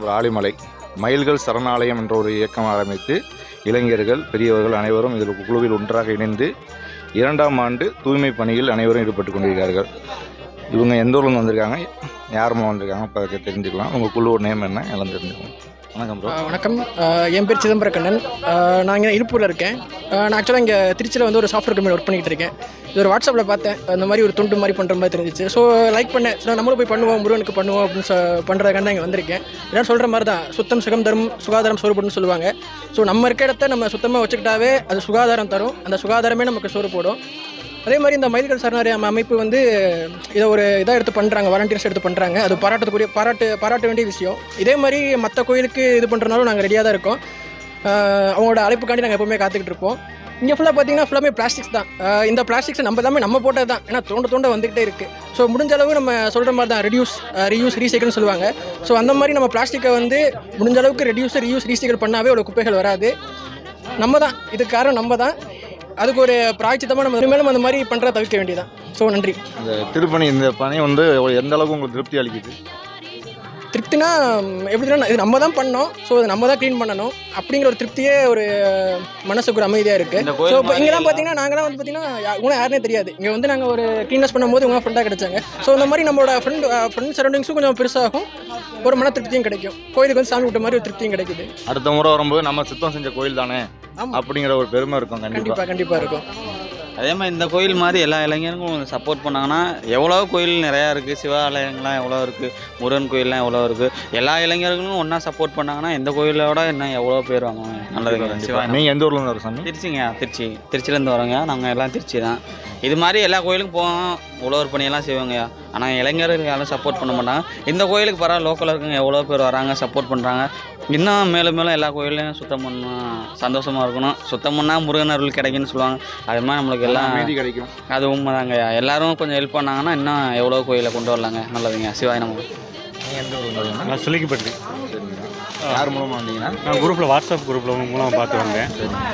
ஒரு ஆலிமலை மயில்கள் சரணாலயம் என்ற ஒரு இயக்கம் ஆரம்பித்து இளைஞர்கள் பெரியவர்கள் அனைவரும் இதில் குழுவில் ஒன்றாக இணைந்து 2ஆம் ஆண்டு தூய்மை பணியில் அனைவரும் ஈடுபட்டு கொண்டிருக்கிறார்கள். இவங்க எந்த ஊர்லேருந்து வந்திருக்காங்க, யாருமா வந்திருக்காங்க இப்போ தெரிஞ்சுக்கலாம். உங்கள் குழுவோட நேம் என்ன எல்லாம் தெரிஞ்சுக்கலாம். வணக்கம் ப்ரோ. வணக்கம். என் பேர் சிதம்பரக்கண்ணன். நான் இங்கே இழுப்பூரில் இருக்கேன். நான் ஆக்சுவலாக இங்கே திருச்சியில் வந்து ஒரு சாஃப்ட்வேர் கம்பெனி ஒர்க் பண்ணிகிட்டு இருக்கேன். இது ஒரு வாட்ஸ்அப்பில் பார்த்தேன், அந்த மாதிரி ஒரு துண்டு மாதிரி பண்ணுற மாதிரி தெரிஞ்சிச்சு. ஸோ லைக் பண்ணேன். ஸோ நம்மளும் போய் பண்ணுவோம், முருகனுக்கு பண்ணுவோம் அப்படின்னு பண்ணுறதுக்காக தான் இங்கே வந்திருக்கேன். எல்லாம் சொல்கிற மாதிரி தான் சுத்தம் சுகம் தரும் சுகாதாரம் சோறுபடுன்னு சொல்லுவாங்க. ஸோ நம்ம இருக்க இடத்த நம்ம சுத்தமாக வச்சுக்கிட்டாவே அது சுகாதாரம் தரும், அந்த சுகாதாரமே நமக்கு சோறு போடும். அதே மாதிரி இந்த மயில்கள் சரணாலயம் அமைப்பு வந்து இதை ஒரு இதாக எடுத்து பண்ணுறாங்க, வாலண்டியர்ஸ் எடுத்து பண்ணுறாங்க. அது பாராட்ட வேண்டிய விஷயம். இதே மாதிரி மற்ற கோயிலுக்கு இது பண்ணுறதுனாலும் நாங்கள் ரெடியாக தான் இருக்கோம். அவங்களோட அழைப்புக்காண்டி நாங்கள் எப்போவுமே காத்துக்கிட்டு இருப்போம். இங்கே ஃபுல்லாக பார்த்தீங்கன்னா ஃபுல்லாமே பிளாஸ்டிக்ஸ் தான். இந்த பிளாஸ்டிக்ஸ் நம்ம போட்டது தான், ஏன்னா தோண்ட வந்துக்கிட்டே இருக்குது. ஸோ முடிஞ்ச அளவு நம்ம சொல்கிற மாதிரி தான் ரீயூஸ் ரீசைக்கிள்னு சொல்லுவாங்க. ஸோ அந்த மாதிரி நம்ம பிளாஸ்டிக்கை வந்து முடிஞ்ச அளவுக்கு ரீயூஸ் ரீசைக்கிள் பண்ணாவே அவ்வளோ குப்பைகள் வராது. நம்ம தான் இதுக்கு காரணம், நம்ம தான். அதுக்கு ஒரு பிராய்ச்சித்தமாக நம்ம மேலும் அந்த மாதிரி பண்ணுறத தவிர்க்க வேண்டியதான். ஸோ நன்றி. இந்த திருப்பணி இந்த பணி வந்து எந்த அளவுக்கு உங்களுக்கு திருப்தி அளிக்குது? திருப்தினா எப்படின்னா இது நம்ம தான் பண்ணோம், ஸோ அதை நம்ம தான் க்ளீன் பண்ணணும் அப்படிங்கிற ஒரு திருப்தியே ஒரு மனசுக்கு ஒரு அமைதியாக இருக்குது. ஸோ இப்போ இங்கெல்லாம் பார்த்தீங்கன்னா நாங்களாம் வந்து பார்த்தீங்கன்னா உங்களை யாருனே தெரியாது. இங்கே வந்து நாங்கள் ஒரு க்ளீனஸ் பண்ணும்போது உங்கள் ஃப்ரெண்டாக கிடைச்சாங்க. ஸோ இந்த மாதிரி நம்மளோட ஃப்ரெண்ட் சரௌண்டிங்ஸும் கொஞ்சம் பெருசாகும், ஒரு மன திருப்தியும் கிடைக்கும். கோயிலுக்கு வந்து சாமி விட்ட மாதிரி ஒரு திருப்தியும் கிடைக்குது. அடுத்த முறை வரும்போது நம்ம சுத்தம் செஞ்ச கோயில் தானே அப்படிங்கிற ஒரு பெருமை இருக்கும். கண்டிப்பாக இருக்கும். அதே மாதிரி இந்த கோயில் மாதிரி எல்லா இளைஞர்களும் சப்போர்ட் பண்ணாங்கன்னா எவ்வளோ கோயில் நிறையா இருக்குது, சிவாலயங்கள்லாம் எவ்வளோ இருக்குது, முருகன் கோயிலெலாம் எவ்வளோ இருக்குது. எல்லா இளைஞர்களும் ஒன்றா சப்போர்ட் பண்ணாங்கன்னா இந்த கோயிலோட இன்னும் எவ்வளோ பேர் வாங்குவாங்க. நல்லதுங்க. சிவா, நீங்கள் எந்த ஊர்லேருந்து வர சாமி? திருச்சிங்க. திருச்சிலேருந்து வரோங்க. நாங்கள் எல்லாம் திருச்சி தான். இது மாதிரி எல்லா கோயிலுக்கும் போவோம், உழவர் பணியெல்லாம் செய்வாங்கய்யா. ஆனால் இளைஞர்கள் யாரும் சப்போர்ட் பண்ண மாட்டாங்க. இந்த கோயிலுக்கு பரவாயில்ல, லோக்கலில் இருக்குங்க எவ்வளோ பேர் வராங்க, சப்போர்ட் பண்ணுறாங்க. இன்னும் மேலும் மேலும் எல்லா கோயிலையும் சுத்தம் பண்ணணும், சந்தோஷமாக இருக்கணும். சுத்தம் பண்ணால் முருகன் அருள் கிடைக்குன்னு சொல்லுவாங்க. அது மாதிரி நம்மளுக்கு எல்லாம் நீதி கிடைக்கும். அது உண்மைதாங்கய்யா. எல்லாரும் கொஞ்சம் ஹெல்ப் பண்ணாங்கன்னா இன்னும் எவ்வளோ கோயிலை கொண்டு வரலாங்க. நல்லதுங்க. சிவாய் நமக்கு. எந்த ஊர்? நான் சொல்லிக்கப்பட்டு. யார் மூலமாக வந்தீங்கன்னா? நான் குரூப்பில் வாட்ஸ்அப் குரூப்பில் மூலமாக பார்த்து வந்தேன்.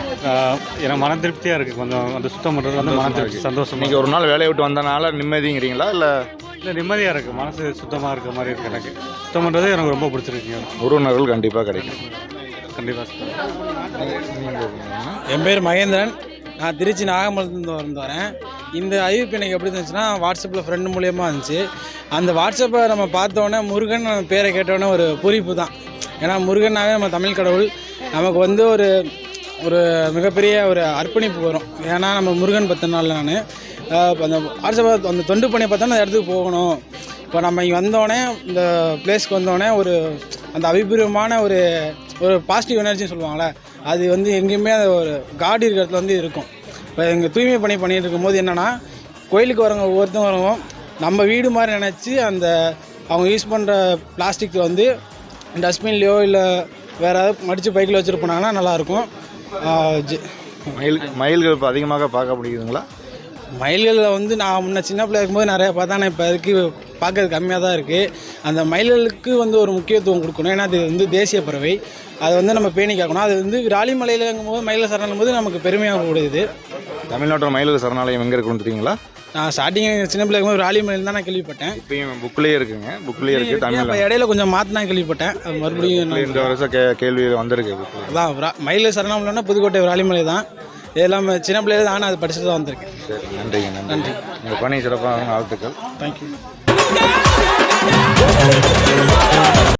எனக்கு மன திருப்தியாக இருக்குது. கொஞ்சம் அந்த சுத்தம் பண்ணுறது வந்து மன திருப்தி, சந்தோஷம். நீங்கள் ஒரு நாள் வேலையை விட்டு வந்தனால நிம்மதிங்கிறீங்களா இல்லை நிம்மதியாக இருக்குது, மனசு சுத்தமாக இருக்க மாதிரி இருக்குது. எனக்கு சுத்தம் பண்ணுறது எனக்கு ரொம்ப பிடிச்சிருக்குங்க. உறவினர்கள் கண்டிப்பாக கிடைக்கும். கண்டிப்பாக. என் பேர் மகேந்திரன். நான் திருச்சி நாகமலத்துலேருந்து வரேன். இந்த அறிவிப்பு எனக்கு எப்படி இருந்துச்சுன்னா வாட்ஸ்அப்பில் ஃப்ரெண்டு மூலியமாக இருந்துச்சு. அந்த வாட்ஸ்அப்பை நம்ம பார்த்தோன்னே முருகன் பேரை கேட்டோன்னே ஒரு பூரிப்பு தான். ஏன்னா முருகனாவே நம்ம தமிழ் கடவுள், நமக்கு வந்து ஒரு மிகப்பெரிய ஒரு அர்ப்பணிப்பு வரும். ஏன்னா நம்ம முருகன் பற்றினால நான் அந்த வாட்ஸ்அப்பை அந்த தொண்டு பணியை பார்த்தோன்னா அந்த இடத்துக்கு போகணும். இப்போ நம்ம இங்கே வந்தோடனே இந்த பிளேஸ்க்கு வந்தோடனே அந்த அபிபூர்வமான ஒரு பாசிட்டிவ் எனர்ஜின்னு சொல்லுவாங்களே, அது வந்து எங்கேயுமே அந்த ஒரு காட் இருக்கிற இடத்துல வந்து இருக்கும். இப்போ எங்கள் தூய்மை பணி பண்ணிகிட்டு இருக்கும்போது என்னென்னா, கோயிலுக்கு வரவங்க ஒவ்வொருத்தவங்க நம்ம வீடு மாதிரி நினச்சி அவங்க யூஸ் பண்ணுற பிளாஸ்டிக் வந்து டஸ்ட்பின்லையோ இல்லை வேறு ஏதாவது மடித்து பைக்கில் வச்சுட்டு போனாங்கன்னா நல்லாயிருக்கும். மயில்கள் இப்போ அதிகமாக பார்க்க முடியுதுங்களா? மயில்களில் வந்து நான் முன்ன சின்ன பிள்ளை இருக்கும்போது நிறையா பார்த்தா, நான் இப்போ அதுக்கு பார்க்கறது கம்மியாக தான் இருக்குது. அந்த மயில்களுக்கு வந்து ஒரு முக்கியத்துவம் கொடுக்கணும். ஏன்னா அது வந்து தேசிய பறவை, அதை வந்து நம்ம பேணி காக்கணும். அது வந்து விராலிமலையிலங்கும் போது மயில சரணம் போது நமக்கு பெருமையாக கூடியது. தமிழ்நாட்டோட மயில்கள் சரணாலயம் எங்கே இருக்குன்னு தெரியுங்களா? நான் ஸ்டார்டிங் சின்ன பிள்ளை இருக்கும்போது விராலிமலையில் தான் நான் கேள்விப்பட்டேன். இப்போயும் புக்கிலேயே இருக்குங்க, புக்கிலேயே இருக்குது. தமிழ் இப்போ இடையில கொஞ்சம் மாற்றினா கேள்விப்பட்டேன். அது மறுபடியும் இந்த வருஷம் கேள்வி வந்திருக்கு. அதான் மயில சரணம் இல்லைன்னா புதுக்கோட்டை விராலிமலை தான். இதெல்லாம் சின்ன பிள்ளையில தான் நான் அதை படிச்சுட்டு தான் வந்திருக்கேன். சரி, நன்றிங்க. நன்றி. உங்கள் பணி சிறப்பாக வாழ்த்துக்கள். தேங்க்யூ.